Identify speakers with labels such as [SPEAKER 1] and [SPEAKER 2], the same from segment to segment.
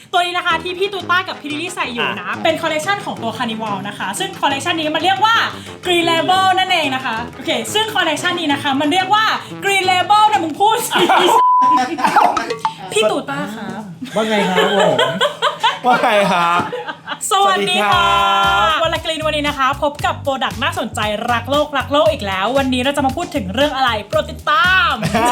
[SPEAKER 1] ตัวนี้นะคะที่พี่ตูต้ากับพี่ลิลลี่ใส่อยู่นะเป็นคอลเลคชันของตัว Carnival นะคะซึ่งคอลเลคชันนี้มันเรียกว่า Green Label นั่นเองนะคะโอเคซึ่งคอลเลคชันนี้นะคะมันเรียกว่า Green Label นะมึงพูดสิพี่ตูต้าครับ
[SPEAKER 2] ว่าไงครับผมว่าไงครับ
[SPEAKER 1] สวัสดีค่ะ
[SPEAKER 2] สวัสดีครับ
[SPEAKER 1] วันละกรีนวันนี้นะคะพบกับโปรดักต์น่าสนใจรักโลกอีกแล้ว วันนี้เราจะมาพูดถึงเรื่องอะไรโปรดติดตาม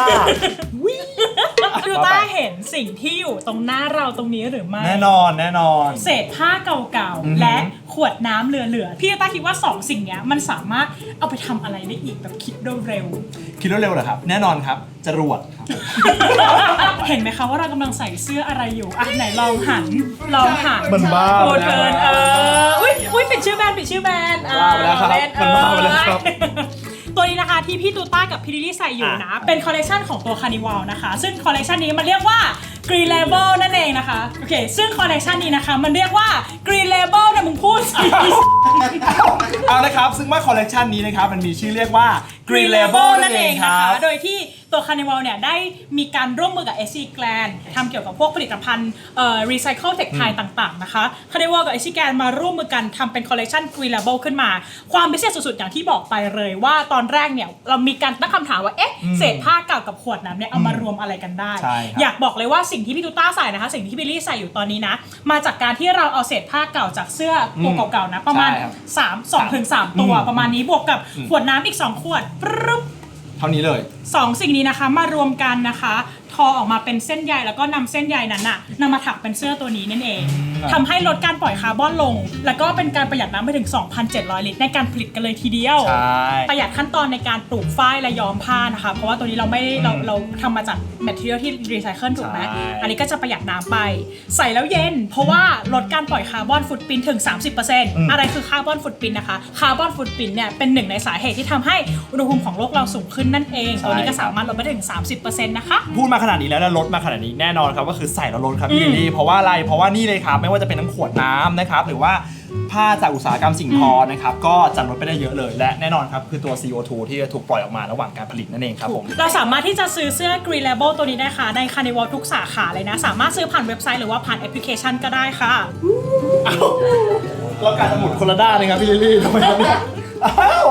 [SPEAKER 1] ดูต้าเห็นสิ่งที่อยู่ตรงหน้าเราตรงนี้หรือไม่
[SPEAKER 2] แน่นอน
[SPEAKER 1] เศษผ้าเก่าๆและขวดน้ำเหลือๆพี่ต้าคิดว่า2สิ่งเนี้ยมันสามารถเอาไปทำอะไรได้อีกแบบคิดเร็ว
[SPEAKER 2] คิดเร็วเหรอครับ แน่นอนครับจรวดครับ
[SPEAKER 1] เห็นไหมคะว่าเรากำลังใส่เสื้ออะไรอยู่อ่ะไหนลองหัน
[SPEAKER 2] มันบ้า
[SPEAKER 1] โอเทิร์นอุ้ยปิดชื่อแบรนด์
[SPEAKER 2] ว่าไปแล้วครับ
[SPEAKER 1] เล่น
[SPEAKER 2] มันบ้าไปแล้วครับ
[SPEAKER 1] ตัวนี้นะคะที่พี่ตูต้ากับพี่ลิลลี่ใส่อยู่นะเป็นคอลเลคชันของตัว Carnival นะคะซึ่งคอลเลคชันนี้มันเรียกว่า Green Label นั่นเองนะคะโอเคซึ่งคอลเลคชันนี้นะคะมันเรียกว่า Green Label นะมึงพูดสิ
[SPEAKER 2] เอาละครับซึ่งว่าคอลเลกชันนี้นะครับมันมีชื่อเรียกว่า Green Label นั่นเองครับ
[SPEAKER 1] โดยที่ตัว Carnival เนี่ยได้มีการร่วมมือกับ SC Grand ทำเกี่ยวกับพวกผลิตภัณฑ์Recycle Tech Thai ต่างๆนะคะ Carnival กับ SC Grand มาร่วมมือกันทำเป็นคอลเลคชัน Green Label ขึ้นมาความพิเศษสุดๆอย่างที่บอกไปเลยว่าตอนแรกเนี่ยเรามีการตั้งคำถามว่าเอ๊ะเศษผ้าเก่ากับขวดน้ำเนี่ยเอามารวมอะไรกันได้
[SPEAKER 2] ใช่ครับ
[SPEAKER 1] อยากบอกเลยว่าสิ่งที่พี่ตูต้าใส่นะคะสิ่งที่บิลลี่ใส่อยู่ตอนนี้นะมาจากการที่เราเอาเศษผ้าเก่าจากเสื้อตัวเก่าๆนะประมาณ
[SPEAKER 2] ใช่ครับ
[SPEAKER 1] 2 ถึง 3 ตัวประมาณนี้บวกกับขวดน้ำอีก2ขวดปึ๊บ
[SPEAKER 2] เท่านี้เลย
[SPEAKER 1] 2 สิ่งนี้นะคะมารวมกันนะคะทอออกมาเป็นเส้นใยแล้วก็นำเส้นใยนั้นน่ะนำมาถักเป็นเสื้อตัวนี้นั่นเองทำให้ลดการปล่อยคาร์บอนลง แล้วก็เป็นการประหยัดน้ำไปถึง 2,700 ลิตรในการผลิตกันเลยทีเดียว
[SPEAKER 2] ใช่
[SPEAKER 1] ประหยัดขั้นตอนในการปลูกฝ้ายและย้อมผ้านะคะเพราะว่าตัวนี้เราไม่เราทำมาจากแมทเทียลที่รีไซเคิลถูกไหม
[SPEAKER 2] ใช่
[SPEAKER 1] อันนี้ก็จะประหยัดน้ำไปใส่แล้วเย็น เพราะว่าลดการปล่อยคาร์บอนฟุตปรินท์ถึง 30% อะไรคือคาร์บอนฟุตปรินท์นะคะคาร์บอนฟุตปรินท์เนี่ยเป็นหนึ่งในสาเหตุที่ทำให้อุณหภูมิของโลกเราสูงขึ้นนั่นเองตัวนี้ก็สามารถลดไปถึง 30% นะคะ
[SPEAKER 2] พูดมาขนาดนี้แล้วลดมาขนาดนี้แน่นอนครับก็คือใส่แล้วลดครับพี่ลิลลี่เพราะว่าอะไรเพราะว่านี่เลยครับไม่ว่าจะเป็นทั้งขวดน้ำนะครับหรือว่าผ้าจากอุตสาหกรรมสิ่งทอนะครับก็จะลดไปได้เยอะเลยและแน่นอนครับคือตัว CO2 ที่จะถูกปล่อยออกมาระหว่างการผลิตนั่นเองครับผม
[SPEAKER 1] เราสามารถที่จะซื้อเสื้อ Green Label ตัวนี้ได้ค่ะใน Carnival ทุกสาขาเลยนะสามารถซื้อผ่านเว็บไซต์หรือว่าผ่านแอปพลิเคชันก็ได้ค่ะ
[SPEAKER 2] ก็การจะหมุนคนละด้านนะครับพี่ลิลลี่ทำไมครับเนี่ยอ้าว